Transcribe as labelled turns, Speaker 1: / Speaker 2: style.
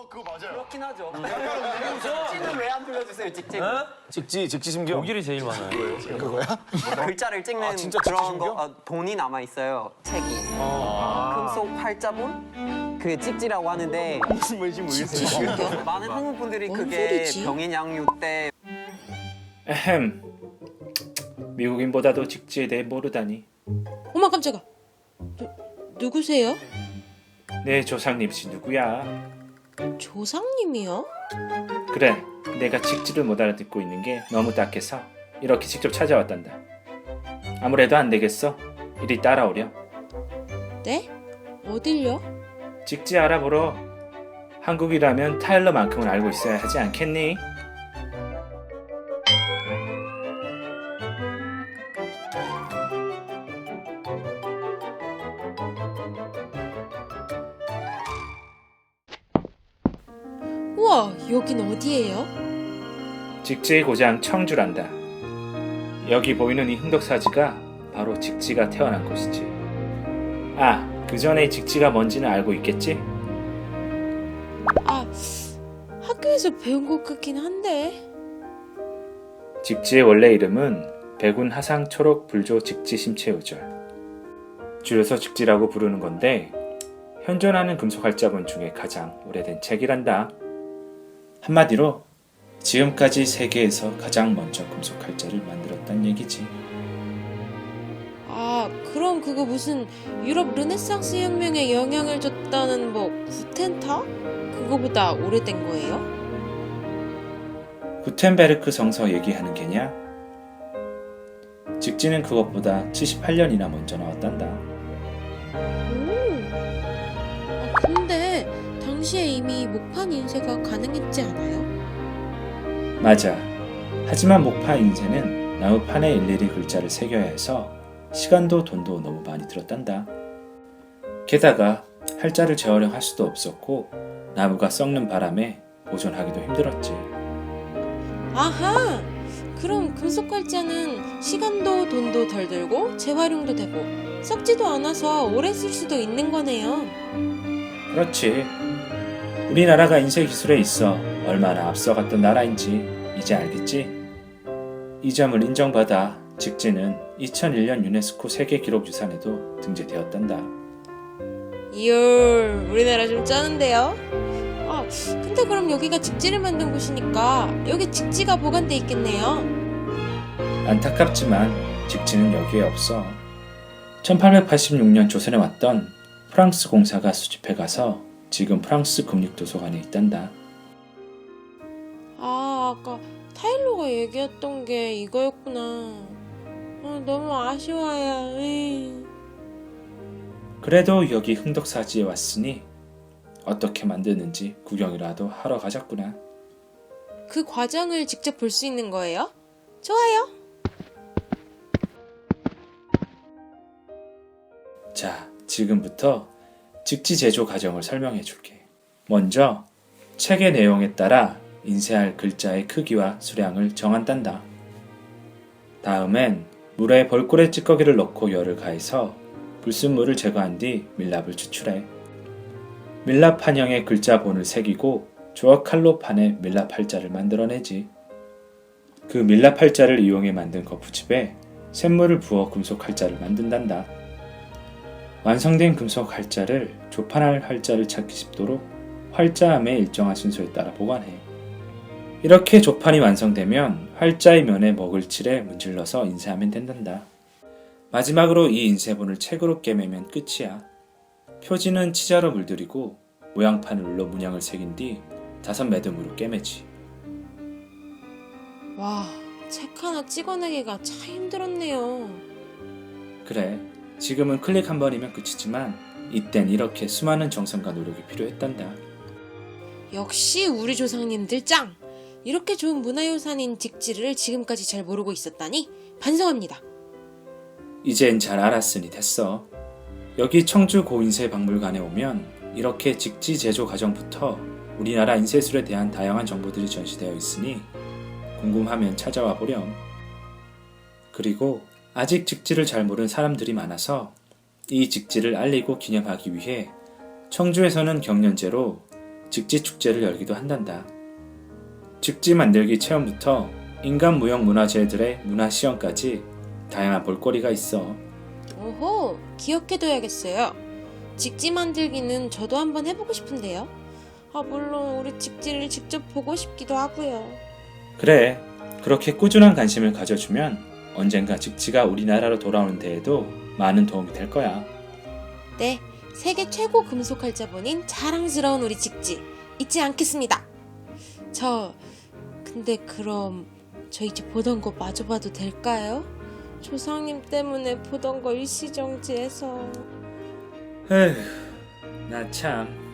Speaker 1: 그거 맞아요.
Speaker 2: 그렇긴 하죠. 직지는 왜 안 불러주세요, 직지?
Speaker 1: 직지심경.
Speaker 3: 독일이 제일 많아요.
Speaker 1: 그거야?
Speaker 2: 글자를 찍는
Speaker 1: 진짜
Speaker 2: 그런
Speaker 1: 직지신경?
Speaker 2: 거 본이 남아 있어요. 책이. 금속 활자본? 그게 찍지라고 하는데
Speaker 1: 무슨 말인지 모르겠어요.
Speaker 2: 많은 한국 분들이
Speaker 4: 뭔
Speaker 2: 그게
Speaker 4: 소리지?
Speaker 2: 병인 양육 때
Speaker 5: 에헴. 미국인보다도 직지에 대해 모르다니.
Speaker 4: 어머 깜짝아. 누구세요?
Speaker 5: 내 조상님씨 누구야?
Speaker 4: 조상님이요?
Speaker 5: 그래, 내가 직지를 못 알아듣고 있는 게 너무 딱해서 이렇게 직접 찾아왔단다. 아무래도 안 되겠어. 이리 따라오렴.
Speaker 4: 네? 어딜요?
Speaker 5: 직지 알아보러. 한국이라면 타일러만큼은 알고 있어야 하지 않겠니?
Speaker 4: 우와, 여긴 어디예요?
Speaker 5: 직지의 고장 청주란다. 여기 보이는 이 흥덕사지가 바로 직지가 태어난 곳이지. 아, 그 전에 직지가 뭔지는 알고 있겠지?
Speaker 4: 아, 학교에서 배운 것 같긴 한데.
Speaker 5: 직지의 원래 이름은 백운 하상 초록 불조 직지 심체우절. 줄여서 직지라고 부르는 건데 현존하는 금속 활자본 중에 가장 오래된 책이란다. 한마디로 지금까지 세계에서 가장 먼저 금속 활자를 만들었단 얘기지.
Speaker 4: 아, 그럼 그거 무슨 유럽 르네상스 혁명에 영향을 줬다는 뭐 구텐타? 그거보다 오래된 거예요?
Speaker 5: 구텐베르크 성서 얘기하는 게냐? 직지는 그것보다 78년이나 먼저 나왔단다.
Speaker 4: 오. 아, 근데 당시에 이미 목판 인쇄가 가능했지 않아요?
Speaker 5: 맞아. 하지만 목판 인쇄는 나무판에 일일이 글자를 새겨야 해서 시간도 돈도 너무 많이 들었단다. 게다가 활자를 재활용할 수도 없었고 나무가 썩는 바람에 보존하기도 힘들었지.
Speaker 4: 아하! 그럼 금속 활자는 시간도 돈도 덜 들고 재활용도 되고 썩지도 않아서 오래 쓸 수도 있는 거네요.
Speaker 5: 그렇지. 우리나라가 인쇄 기술에 있어 얼마나 앞서갔던 나라인지 이제 알겠지? 이 점을 인정받아 직지는 2001년 유네스코 세계기록유산에도 등재되었단다.
Speaker 4: 이얼, 우리나라 좀 쩌는데요? 아, 근데 그럼 여기가 직지를 만든 곳이니까 여기 직지가 보관돼 있겠네요.
Speaker 5: 안타깝지만 직지는 여기에 없어. 1886년 조선에 왔던 프랑스 공사가 수집해 가서 지금 프랑스 국립도서관에 있단다.
Speaker 4: 아, 아까 타일러가 얘기했던 게 이거였구나. 아, 너무 아쉬워요. 에이.
Speaker 5: 그래도 여기 흥덕사지에 왔으니 어떻게 만드는지 구경이라도 하러 가자꾸나.
Speaker 4: 그 과정을 직접 볼 수 있는 거예요? 좋아요.
Speaker 5: 자, 지금부터 직지 제조 과정을 설명해 줄게. 먼저 책의 내용에 따라 인쇄할 글자의 크기와 수량을 정한단다. 다음엔 물에 벌꿀의 찌꺼기를 넣고 열을 가해서 불순물을 제거한 뒤 밀랍을 추출해. 밀랍 판형에 글자본을 새기고 조각 칼로 판에 밀랍 활자를 만들어내지. 그 밀랍 활자를 이용해 만든 거푸집에 샘물을 부어 금속 활자를 만든단다. 완성된 금속 활자를 조판할 활자를 찾기 쉽도록 활자함의 일정한 순서에 따라 보관해. 이렇게 조판이 완성되면 활자의 면에 먹을 칠에 문질러서 인쇄하면 된단다. 마지막으로 이 인쇄본을 책으로 꿰매면 끝이야. 표지는 치자로 물들이고 모양판을 눌러 문양을 새긴 뒤 5매듭으로 꿰매지.
Speaker 4: 와, 책 하나 찍어내기가 참 힘들었네요.
Speaker 5: 그래, 지금은 클릭 한 번이면 끝이지만 이땐 이렇게 수많은 정성과 노력이 필요했단다.
Speaker 4: 역시 우리 조상님들 짱! 이렇게 좋은 문화유산인 직지를 지금까지 잘 모르고 있었다니 반성합니다.
Speaker 5: 이젠 잘 알았으니 됐어. 여기 청주 고인쇄 박물관에 오면 이렇게 직지 제조 과정부터 우리나라 인쇄술에 대한 다양한 정보들이 전시되어 있으니 궁금하면 찾아와 보렴. 그리고 아직 직지를 잘 모르는 사람들이 많아서 이 직지를 알리고 기념하기 위해 청주에서는 경년제로 직지 축제를 열기도 한단다. 직지 만들기 체험부터 인간 무형 문화재들의 문화 시연까지 다양한 볼거리가 있어.
Speaker 4: 오호, 기억해둬야겠어요. 직지 만들기는 저도 한번 해보고 싶은데요. 물론 우리 직지를 직접 보고 싶기도 하고요.
Speaker 5: 그래, 그렇게 꾸준한 관심을 가져주면 언젠가 직지가 우리나라로 돌아오는 데에도 많은 도움이 될 거야.
Speaker 4: 네, 세계 최고 금속 활자본인 자랑스러운 우리 직지 잊지 않겠습니다. 근데 그럼 저 이제 보던 거 마저 봐도 될까요? 조상님 때문에 보던 거 일시정지해서.
Speaker 5: 에휴, 나 참